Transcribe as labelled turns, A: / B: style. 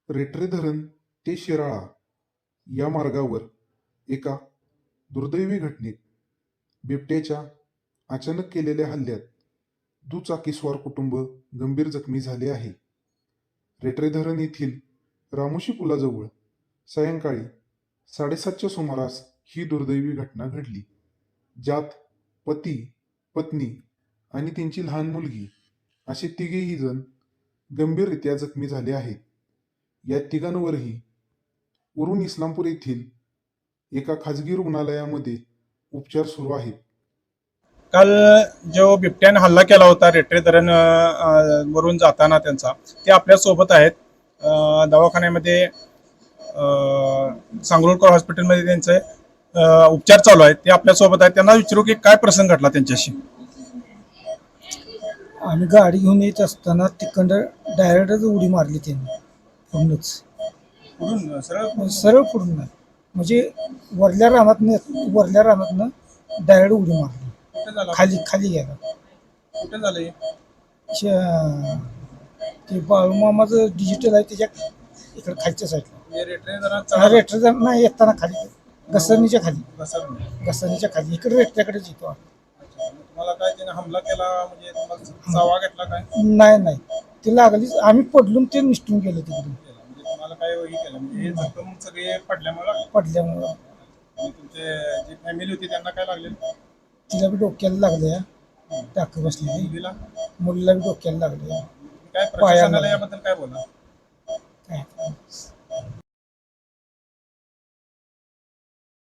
A: रेटरे धरण ते शिराळा या मार्गावर एका दुर्दैवी घटनेत बिबट्याच्या अचानक केलेल्या हल्ल्यात दुचाकीस्वार कुटुंब गंभीर जखमी झाले आहे. रेटरे धरण येथील रामोशी पुलाजवळ सायंकाळी 7:30च्या सुमारास ही दुर्दैवी घटना घडली, ज्यात पती, पत्नी आणि त्यांची लहान मुलगी असे तिघेही जण गंभीररित्या जखमी झाले आहेत. या तिघांवरही उरण इस्लामपूर येथील एका खाजगी रुग्णालयामध्ये उपचार सुरू आहेत.
B: काल जो बिबट्याने हल्ला केला होता रेटरे धरण वरून जाताना त्यांचा ते आपल्या सोबत आहेत. दवाखान्यामध्ये सांगरुळकर हॉस्पिटलमध्ये त्यांचे उपचार चालू आहेत. ते आपल्या सोबत आहेत. त्यांना विचारू की काय प्रसंग घडला त्यांच्याशी.
C: आम्ही गाडी घेऊन येत असताना तिकडं डायरेक्टच उडी मारली त्यांनी पूर्णच
B: पुढून सरळ
C: सरळ पुढून नाही, म्हणजे वरल्या रानातनं डायरेक्ट उडी मारली,
B: कुठे झाला?
C: खाली गेला.
B: कुठे झालं?
C: ते बाळूमामाचं डिजिटल आहे त्याच्या इकडे खालच्या साईडला.
B: रेटरे धरण
C: रेटर नाही, येताना खाली घसरणीच्या
B: घसरलं.
C: खाली इकडे रेटऱ्याकडेच येतो.
B: तुम्हाला काय त्याने हमला केला म्हणजे तुम्हाला चावा घेतला काय?
C: नाही ते लागलीच, आम्ही पडलो ते निसटून गेलो तिकडे.
B: म्हणजे तुम्हाला काय हे केलं म्हणजे हे जखम सगळे पडल्यामुळे तुमचे जी फॅमिली होती त्यांना काय लागले?
C: तिला बी डोक्याला लागले, टाक बसली. मुलीला बी डोक्याला लागले.
B: काय प्रशासनाला याबद्दल काय बोला?
C: काय